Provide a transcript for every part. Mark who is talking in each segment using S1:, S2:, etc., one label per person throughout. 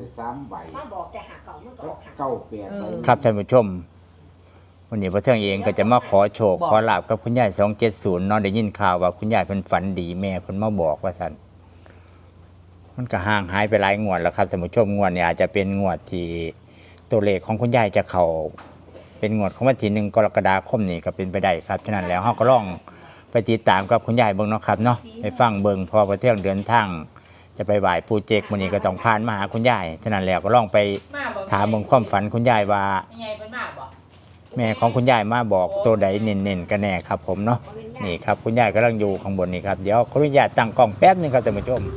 S1: ได้3ใบ
S2: มาบอกแต่หาเก่ามันก็ออกหา
S1: เก้าแปดใบ
S3: ครับท่านผู้ชมวันนี้พระเทืองเองก็จะมาขอโชคขอลาบกับคุณยาย270เนาะได้ยินข่าวว่าคุณยายเพิ่นฝันดีแม่เพิ่นมาบอกว่าซั่นมันก็ห่างหายไปหลายงวดแล้วครับท่านผู้ชมงวดนี้อาจจะเป็นงวดที่ตัวเลขของคุณยายจะเข้าเป็นงวดของวันที่1 กรกฎาคมนี้ก็เป็นไปได้ครับฉะนั้นแล้วเฮาก็ลองไปติดตามกับคุณยายเบิ่งเนาะครับเนาะไปฟังเบิ่งพอพระเทืองเดินทางจะไปไหว้ปู่เจกมื้อนี้ก็ต้องผ่านมาหาคุณยายฉะนั้นแล้วก็ลองไปถามเบิ่งความฝันคุณยายว่าแม่ของคุณยายมาบอกตัวใดเน้นๆกันแน่ครับผมเนาะนี่ครับคุณยายกำลังอยู่ข้างบนนี่ครับเดี๋ยวขออนุญาตตั้งกล้องแป๊บนึงครับท่านผู้ชม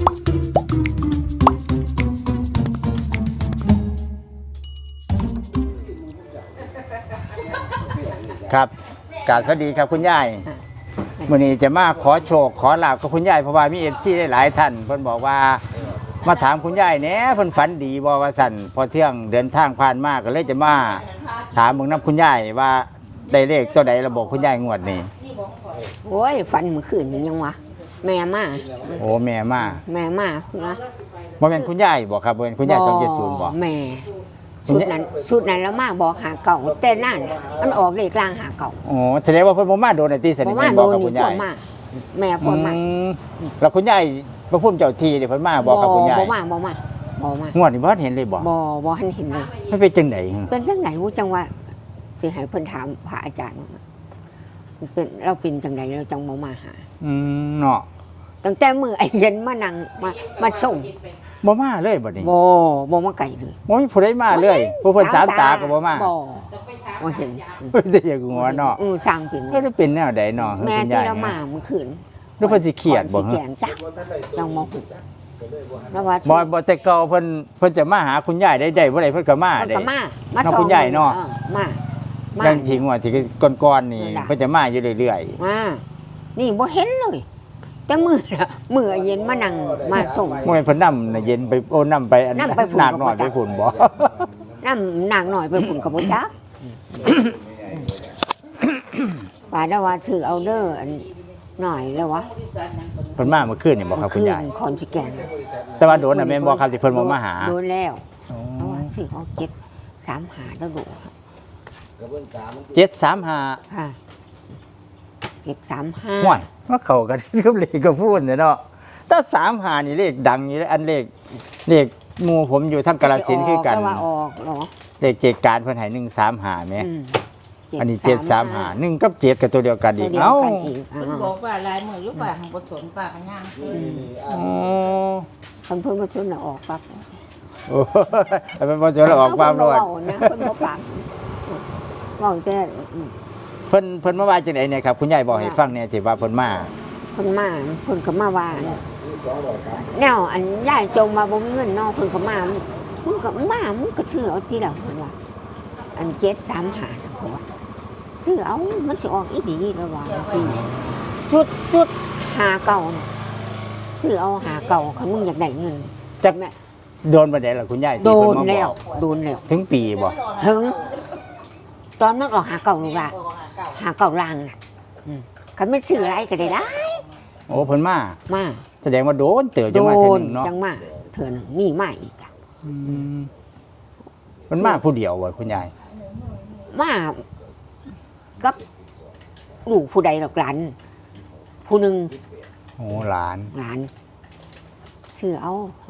S3: ครับกราบสวัสดีครับคุณยายวันนี้จะมาขอโชคขอลาบกับคุณยายเพราะว่ามีFCได้หลายท่านเพิ่นบอกว่ามาถามคุณยายแหน่เพิ่นฝันดีบ่ว่าสั่นพอเที่ยงเดินทางผ่านมาก็เลยจะมาถามเบิ่งนำคุณยายว่าได้เลขตัวใดระบอกคุณยายงวดนี้
S2: โอ้ยฝันเมื่อคืนนี่ยังวะแม่มา
S3: โอ้แม่มา
S2: แม่มานะ
S3: บ่แม่นคุณยายบ่ครับบ่แม่นคุณยาย270บ่
S2: แม่สุดนั้นแล้วมาบอกหาเก่าแต่นั่นมันออกเลขกลางหาเก่า
S3: อ๋อแสดงว่าเพิ่นบ่มาโดนไอ้ที่สนิท
S2: มา
S3: แม่น
S2: โด
S3: บอก
S2: น
S3: กับ
S2: นี่
S3: คุณ
S2: พ่
S3: ยา
S2: อย มาแม่พ่อมา
S3: แล้วคุณยายพระพุ่มเจ้าที่นี่เพิ่นมาบอกกับคุณยาย
S2: บ่มาง
S3: วดนี้บ่ทันเห็นเลยบ่
S2: บ่ทันเห็นเลย
S3: มันเป็นจังได๋
S2: เป็นจังไหนวูจังว่าสิให้เพิ่นถามพระอาจารย์ว่าเป็นเราเป็นจังไดเราจังบ่มาหา
S3: เนาะ
S2: ตั้งแต่มื้อไอ้เย็นมานั่งมาส่ง
S3: บ่มาเลยบัดนี้
S2: บ่มาไกลเลย
S3: บ่มีผู้ใดมาเลยผู้เพิ่นสามตาก็บ่มา
S2: บ่เห็น
S3: ได้อย่างหัวเนาะ
S2: สร้างเป็น
S3: ก็ได้เป็นแนวใดเนาะ
S2: แม่
S3: คุณ
S2: ที่
S3: ยาย
S2: เรามาเมื่อคืน
S3: หรือเพิ่นสิเครียดบ่
S2: สิแกงจ้ะจังมองแล้วว่า
S3: บ่แต่เก่าเพิ่นจะมาหาคุณยายได้บ่ได้เพิ่นก็มา
S2: มัน
S3: ได้
S2: ก็มา
S3: เนาะคุณยายเนาะ
S2: มา
S3: อย่างที่งวดที่ก่อนๆนี่เพิ่นจะมาอยู่เรื่อยๆ
S2: มานี่บ่เห็นเลยแต่มื้อเย็นมานั่งมาส่ง
S3: เมื่อเพิ่นนำน่ะเย็นไปโอ้นำไปอัน
S2: นำไปฝุ่น
S3: หนักหน่อยไปฝุ่นบ่
S2: น้ำนางหน่อยไปผุ่นกับบ่จักป่าดาว่าซื้อเอาเด้ออันหน่อยแล้ววะ
S3: เพิ่นมาเมื่อคืนนี่บ่ครับคุณยาย
S2: คอนสิแกง
S3: แต่ว่าโดนน่ะแม่นบ่ครับที่เพิ่นบ่มาหา
S2: โดนแล้วเพราะว่าซื้อเอา735แล้วดูครับ
S3: 735
S2: ค่ะ735
S3: ห่วยมาเข้ากันกับเลขก็พูดเนาะแต่35นี่เลขดังอยู่เลยอันเลขหมู่ผมอยู่ทางกาฬสินธุ์คือกัน
S2: แต่ว่าออกเหรอ
S3: เลขเจกการเพิ่นให้135แหม
S2: อืม
S3: อันนี้735 1กับ7ก็ตัวเดียวกันอีก
S2: ตัวเดียว
S3: เอ้า
S2: กันอีก
S4: เพิ่นบอกว่าลายมือหรือเปล่าของบทสนป่ากันย่าง
S3: อ๋อ
S2: เพิ่นมาชนน่ะออกปั๊บ
S3: โอ้ยเป็นบ่สนออกความรวด
S2: เพิ่นบ่เว้านะเพิ่นบ่ปากเว้าแต่
S3: เพิ่นมาว่าจังได๋เนี่ยครับคุณยายบอกให้ฟังเนี่ยที่ว่าเพิ่นมา
S2: เพิ่นมาเพิ่นก็มาว่าแนวอันยายจงมาบ่มีเงินเนาะเพิ่นก็มามึงก็มามึงก็ชื่อเอาที่ละเพิ่นว่าอัน735นะเพิ่นว่าซื้อเอามันสิออกอีดีแล้วว่าสิสุดหาเก่าน่ะซื้อเอาหาเก่าคันมึงอยากได้เงิน
S3: จัก
S2: แม่
S3: โดนบ่ได้ล่ะคุณยาย
S2: โด
S3: ที่เพิ่
S2: น
S3: นมาบ
S2: แล้ว
S3: อก
S2: โดนแล้ว
S3: ถึงปีบ่
S2: ถึง ตอนมันออกหาเก่าลูกละหาเก่าล่างน่ะคันไม่ซื้ออะไรก็ได้
S3: โอ้เพิ่นมา
S2: มา
S3: แสดงว่าโดนเติบ
S2: โด
S3: จังมาเทื่อน หนึงเนาะ
S2: จังมาเถื่อหนึงนี่มาอีกล่ะ
S3: มันมาผู้เดียวบ่คุณยาย
S2: มากับลูกผู้ใดหรอกหลานผู้หนึ่ง
S3: โอ้หลาน
S2: หลานซื้อเอา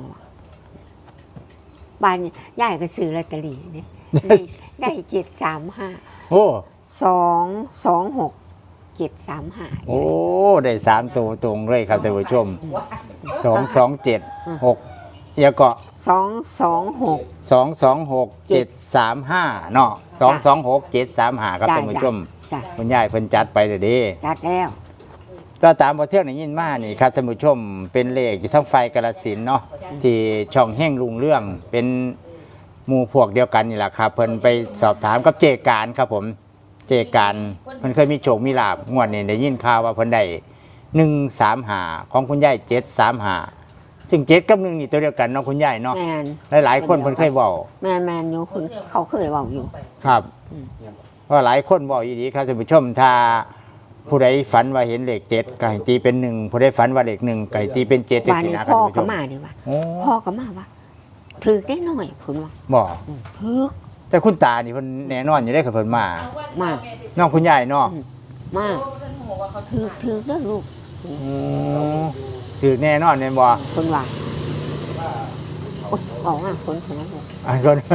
S2: บ้านยายก็ซื้อลอตเตอรี่เนี่ยได้735
S3: โอ้
S2: 226 735
S3: โอ้ได้3ตัวตรงเลยครับท่านผู้ชม227 6แล้วก็
S2: 226
S3: 226 735เนาะ226 735ครับท่านผู้ชม
S2: จ้ะ
S3: คุณยายเพิ่นจัดไปเด้อเด้
S2: จัดแล้ว
S3: ก็ตามพอเที่ยงได้ยินมานี่ครับท่านผู้ชมเป็นเลขอยู่ทั้งไฟกาฬสินธุ์เนาะที่ช่องแห่งลุงเรื่องเป็นหมู่พวกเดียวกันนี่แหละครับเพิ่นไปสอบถามกับเจการครับผมเจการเพิ่นเคยมีโชคมีลาบงวดนี้ได้ยินข่าวว่าเพิ่นได้135ของคุณยาย735ซึ่ง7กับ1นี่ตัวเดียวกันเนาะคุณยายเนาะ
S2: แมน
S3: หลายๆคนเพิ่นเคยเว้า
S2: แมนอยู่คุณเขาเคยเว่าอยู่
S3: ครับเพราะหลายคนเว้าอยู่ดีครับท่านผู้ชมถ้าผู้ใดฝันว่าเห็นเลข7ก็ให้ตีเป็น1ผู้ใดฝันว่าเลข1ก็ให้ตีเป็น7จัง
S2: บ้าน
S3: ซี่
S2: นี้
S3: นะครับ
S2: พ่อ
S3: ท่านผู้ช
S2: ก็
S3: ม
S2: มาดีว่า
S3: โอ้
S2: พ่อก็มาว่าถือได้หน่อยเพิ่นว่า
S3: บ่
S2: ถือ
S3: แต่คุณตานี่เพิ่นแน่นอนอยู่ได้กับเพิ่นมา
S2: มา
S3: น้องคุณยายเนาะ
S2: มาถือเด้อลูก
S3: ถือแน่นอนแม่นบ่
S2: เพิ่นว่าโอ๊ยบอกว่าคนของลูก
S3: อันก่อน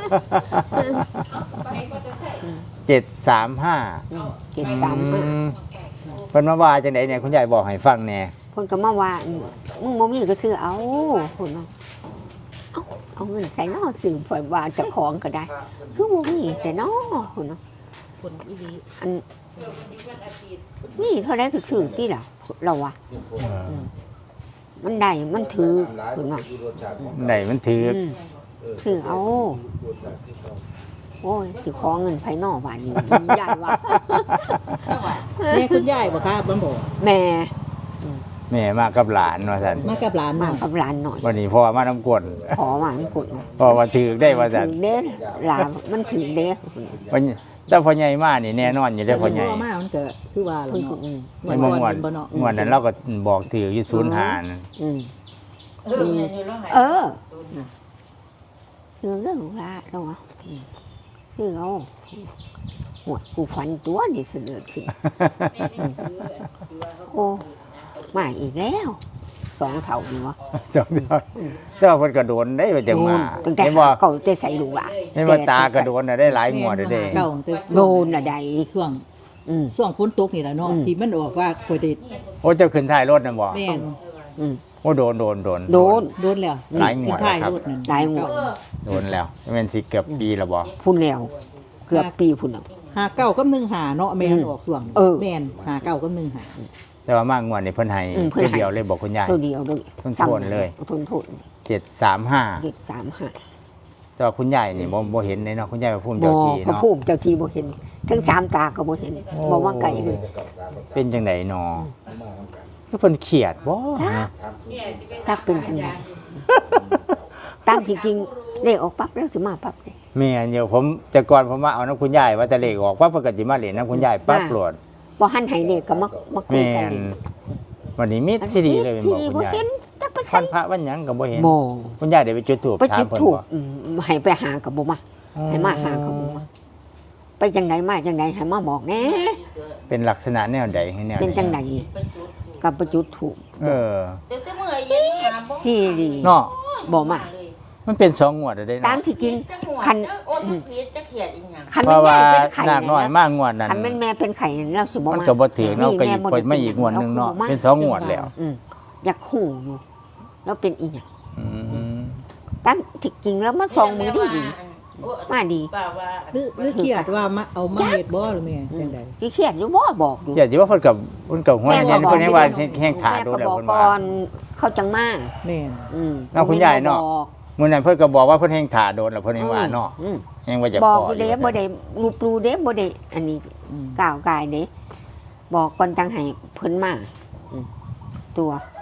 S3: 735
S2: 735
S3: เพิ่นมาว่าจังได๋เนี่ยคุณยายบอกให้ฟังแหน่
S2: เพิ่นก็มาว่ามึงบ่มีก็ซื้อเอาเพิ่นว่าเอาเงินใส่นอซื้อเพิ่นว่าเจ้าของก็ได้คือบ่มีใส่นอเพิ่นว่า
S4: คนอีหลี
S2: อันนี่เท่าไรก็ซื้อที่เราว่ามันได้มันถือคุณว่า
S3: ไหนมันถือ
S2: ซื้อเอาโอ้ยสิขอเงินภายนอกบ้านนี้ใหญ่ว่า
S4: แม่คุณยายบ่ครับบ่บอก
S2: แม่
S3: แม่มากับหลานว่าซั่น
S4: มากับหลาน
S2: มา
S4: มา
S2: กับหลานหน่อย
S3: วันนี้พ่อมาน้ำกวน
S2: ขอมามันกดมา
S3: พ่อว่าถือได้ว่าซั่น
S2: ถือเด้หลานมันถือเด้
S3: วันแต่พ่อใหญ่มานี่แน่นอนอยู่ได้อพ่อใหญ่
S4: มามันก็คือว่า
S2: เพิ่นก็
S3: ไม่มงวด
S4: บ่เนาะ
S3: งวดนั้นเราก็บอกถืออยู่ศูนย์หาร
S2: เออถือเรื่องละเราว่าซื้อเอาหัวกูฝันตัวนี่เสนอขึ้นโอ้มาอีกแล้ว2เท่านี่วะ
S3: จำได้แต่ว่าเพิ่นก็โดนได้ว่าจังมา
S2: ตั้งแต่
S3: เห็นบ่
S2: เก่าแต่ใส่ลูกอ่ะ
S3: เห็นว่าตากระโดนน่ะได้หลายงวดเด้อ
S4: เก่าแต่
S2: โดนอะใด
S4: ช่วง
S2: อืม
S4: ช่วงฝนตกนี่ล่ะเนาะ
S2: อืม
S4: ที่มันออกว่าค่อยได้
S3: โอ้เจ้าขึ้นท้ายรถน่ะบ่
S4: แม่น
S2: อืม
S3: โอ้โดน
S2: โดน
S4: โดนแล้ว
S3: หลายงวด
S4: ขึ้นท้าย
S3: ครับ
S4: รถนั่น
S2: หลายงวด
S3: โดนแล้วแม่นสิเกือบปีแล้วบ่
S2: พุ่นแล้วเกือบปีพุ่นแล้ว
S4: หาเก้ากับ1 5เนาะแม่นออกช่วง
S2: เออ
S4: แม่นหาเก้ากับ1 5
S3: แต่ว่ามางวดนี่เพิ่นให้
S2: เพิ่นให้
S3: ตัวเดียวเลยบอกคุณยาย
S2: ตัวเดียวเลย
S3: ทนๆเลย
S2: ทน
S3: 735
S2: เด็ก35
S3: แต่ว่าคุณยายนี่บ่เห็นเลยเนาะคุณยายว่าภูมิ
S2: บ่
S3: เจ้าที่
S2: พระ
S3: เนาะ
S2: ภูมิเจ้าที่บ่เห็นทั้ง3ตาก็บ่เห็นบ่ว่าไก่เลย
S3: เป็นจังไดเนาะแล้วเพิ่นเครียดบ่
S2: ตักเป็นจังไดตามที่จริงเลขออกปั๊บแล้วสิมาปั๊บเลย
S3: แม่นเดี๋ยวผมแต่ก่อนผมมาเอาน้ำคุณยายว่าแต่เลขออกว่าเพิ่นก็สิมาเล่นน้ำคุณยายปั๊บโหลด
S2: บ่หันให้เลขก็มาคุย
S3: แม่
S2: กัน
S3: น
S2: เลย
S3: วันนี้มีซีดีเลยเป็น
S2: สิ
S3: บอกคุณ
S2: บ่
S3: ยาย
S2: เห็นจักไป
S3: วั
S2: ใส่
S3: นพระวันหยังก็บ่เห็น
S2: บ่
S3: คุณยายได้ไปจุดธูป
S2: ไป
S3: ถาม
S2: จุด
S3: เพิ่น
S2: ถูก
S3: บ่
S2: ให้ไปหากับบ่มาให้มาหากับบ่มาไปจังไดมาจังไดให้มาบอกแหน่
S3: เป็นลักษณะแนวใดให้แนว
S2: เป็นจังไดกับไปจุดถูก
S3: เออ
S2: สิดี
S3: เนาะ
S2: บ่มา
S3: มันเป็น2งวดแล้วได้
S2: ตา
S3: เนาะ
S2: มที่จริง
S4: คันโอ้ยผิดจะเขียดอีหยัง
S2: คัน
S3: เพราะว่า
S2: แม่เป็นไข่
S3: นาคน้อยมากงวดนั้น
S2: คันแม่เป็นไข่เราสิบ่
S3: มัน
S2: มา
S3: ก็บ่ถือเนาะก็อีก
S2: แม่
S3: เพิ่นมาอีกงวดหนึงเนาะเป็น2งวดแล้ว
S2: อยากฮู้อยู่แล้วเป็นอีหยัง
S3: อืม
S2: ตามที่จริงแล้วมาส่องมือดีมาดี
S4: ป่าว่าหรือเครียดว่ามาเอามาเฮ็ดบ่หรือแม่จังได๋
S2: สิเครียดอยู่บ่บอกอยู่
S3: อย่าสิว่าเพิ่นกับห้วยแม่นเพิ่นให้ว่าแห้งถ่าดู
S2: แม่
S3: แล้ว
S2: ก็บอก
S3: เพิ่น
S2: ก่
S3: ว่า
S2: อนเขาจังมา
S4: แม่น
S3: เอาคุณยายเนาะ มื้อนั้นเพิ่นก็บอกว่าเพิ่นแห้งถ่าโดนแล้วเพิ่นให้ว่าเนาะ
S2: อืม
S3: แห้งว่าจะ
S2: บอก
S3: ขอ
S2: อยู่เด้บ่ได้รูปรูเด้บ่ได้อันนี้ก้าวกายเด้บอกก่อนจังให้เพิ่นมาตัว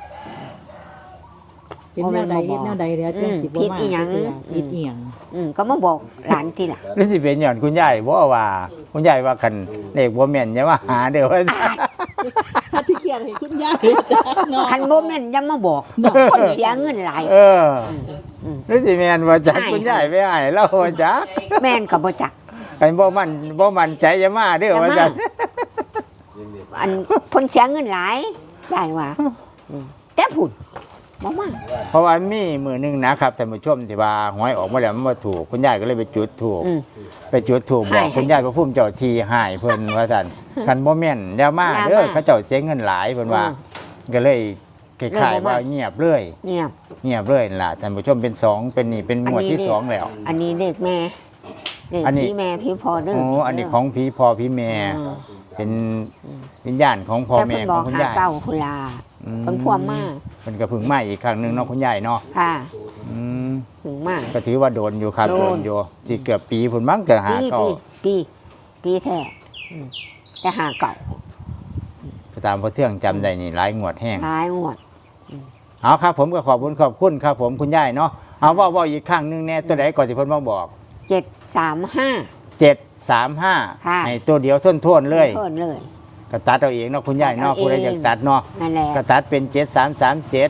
S4: เป็นแนวใดเฮ็ดแนวใดเดี๋ยวจังสิบ่
S2: ผิด
S4: มา
S2: อีหยัง
S4: ผิดอีหยัง
S2: ก็มาบอกหลานทีหล่ะ
S3: หรือสิเป็นหย่อนคุณยายบ่ว่าคุณยายว่าคันเลขบ่แม่นอย่ามาหาเด้อว่า
S4: ถ้าที่เครียดให้คุณยายจ้ะเนาะ
S2: คันบ่แม่นอย่ามาบอกคนเสียเงินหลาย
S3: เออหรือสิแม่นว่าจักคุณยายไปให้เราว่าจัก
S2: แม่นก็บ่จัก
S3: คันบ่มั่นใจอย่ามาเด้อว่าจัก
S2: อันเพิ่นเสียเงินหลายได้ว่าแต่พูดบ่มา
S3: เพราะว่ามีมื้อหนึงนะครับท่านผู้ชมที่ว่าหวยออกมาแล้วมันบ่ถูกคุณยายก็เลยไปจุดธูป
S2: อืม
S3: ไปจุดธูปบอก
S2: ให้
S3: คุณยายพระภูมิเจ้าที่ให้เพิ่นว่าซั่นคันบ่แม่นอย่ามา
S2: อย่ามา
S3: เด้อเขาเจ้าเสียเงินหลายเพิ่นว่า ก็เลยคล้าย
S2: เลยบ่
S3: ๆ
S2: มา
S3: ว่าเงียบเลย
S2: เงียบ
S3: เงียบเลยนั่นล่ะท่านผู้ชมเป็นสองเป็นนี่เป็นหมวดที่
S2: อันนี้
S3: สองแล้ว
S2: อันนี้เด็กแม่เด็ก
S3: อันนี้
S2: พี่แม่พี่พ่อเด้อ
S3: โอ้อันนี้ของพี่พ่อพี่แม่ เป็นวิญญาณของพ่อ
S2: แต่
S3: แม่
S2: เพิ่นบ
S3: ข
S2: อ
S3: อก งคุณ
S2: หาย
S3: าย
S2: เก่าคุณลา
S3: อืม
S2: เพิ่นพ่วงมา
S3: เพิ่นก็เพึ่งมาอีกครั้งหนึงเนาะคุณยายเนาะ
S2: ค่ะ
S3: อืม
S2: ถึงมา
S3: ก็ถือว่าโดนอยู่ครับ
S2: โด
S3: โด
S2: น
S3: นอยู่สิเกือบปีพุ่นมั้งจะหา
S2: ปี
S3: เก่า
S2: ปีแท้แต่หาเก่า
S3: ตามพอเทื่องจำได้นี่หลายงวดแห้ง
S2: ท้ายงวด
S3: เอาครับผมก็ขอบคุณครับผมคุณยายเนาะเอาเว่าอีกครั้งหนึงแน่ตัวไหนก่อนที่เพิ่นมาบอก
S2: 735
S3: 735
S2: ค่ะ
S3: ให้ตัวเดียวท่วนๆเลย
S2: เพิ่นเลย
S3: ก็ตัดเอาเองเนาะคุณยายเนาะ
S2: ตัดเอา
S3: ผู้ใด
S2: เอง
S3: อยากตัดเนาะ
S2: นั่นแหละ
S3: ก็ตัดเป็น7337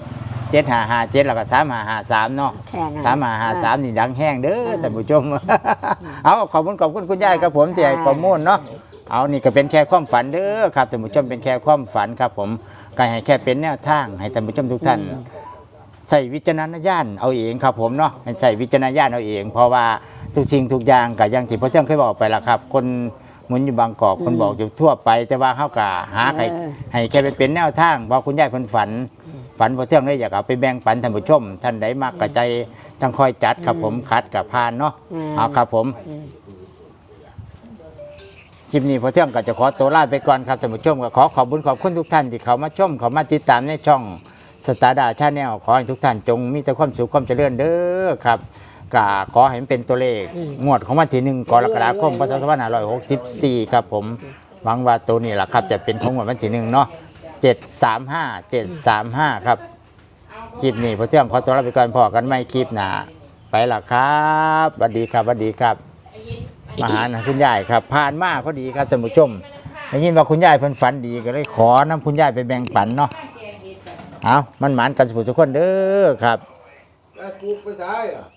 S3: 7557แล้วก็3553เนาะ
S2: แค่นั้น
S3: 3553นี่ดังแห้งเด้อท่านผู้ชม เอาขอบคุณคุณยายครับผมที่ให้ข้อมูลเนาะเอานี่ก็เป็นแค่ความฝันเด้อครับท่านผู้ชมเป็นแค่ความฝันครับผมก็ให้แค่เป็นแนวทางให้ท่านผู้ชมทุกท่านใส่วิจารณญาณเอาเองครับผมเนาะให้ใส่วิจารณญาณเอาเอง เพราะว่าทุกสิ่งทุกอย่างก็อย่างที่พ่อเจ้าเคยบอกไปแล้วครับ คนหมุนอยู่บางกอกคนบอกอยู่ทั่วไป แต่ว่าเขาก็หาให้แค่ไปเป็นแนวทางเพราะคุณยายเพิ่นฝันพ่อเจ้าเลยอยากเอาไปแบ่งปันท่านผู้ชมท่านใดมากกระใจจังคอยจัดครับผมคัดกับพานเนาะเอาครับผม คลิปนี้พอเที่ยงก็จะขอตัวลาไปก่อนครับท่านผู้ชมก็ขอบคุณทุกท่านที่เขามาชมเขามาติดตามในช่องสตาร์ดาชาแนลขอให้ทุกท่านจงมีแต่ความสุขความเจริญเด้อครับก็ขอให้มันเป็นตัวเลขงวดของวันที่1 กรกฎาคมพศ2564ครับผมหวังว่าตัวนี้แหละครับจะเป็นของวันที่1เนาะ735ครับคลิปนี้พอเที่ยงขอตัวลาไปก่อนพอกันไม่คลิปหน้าไปละครับสวัสดีครับสวัสดีครับมาหาคุณยายครับผ่านมาพอดีครับท่านผู้ชมได้ยินว่าคุณยายเพิ่นฝันดีก็เลยขอนำคุณยายไปแบ่งปันเนาะเอามันหมานกันสุขสุขคนเด้อครับ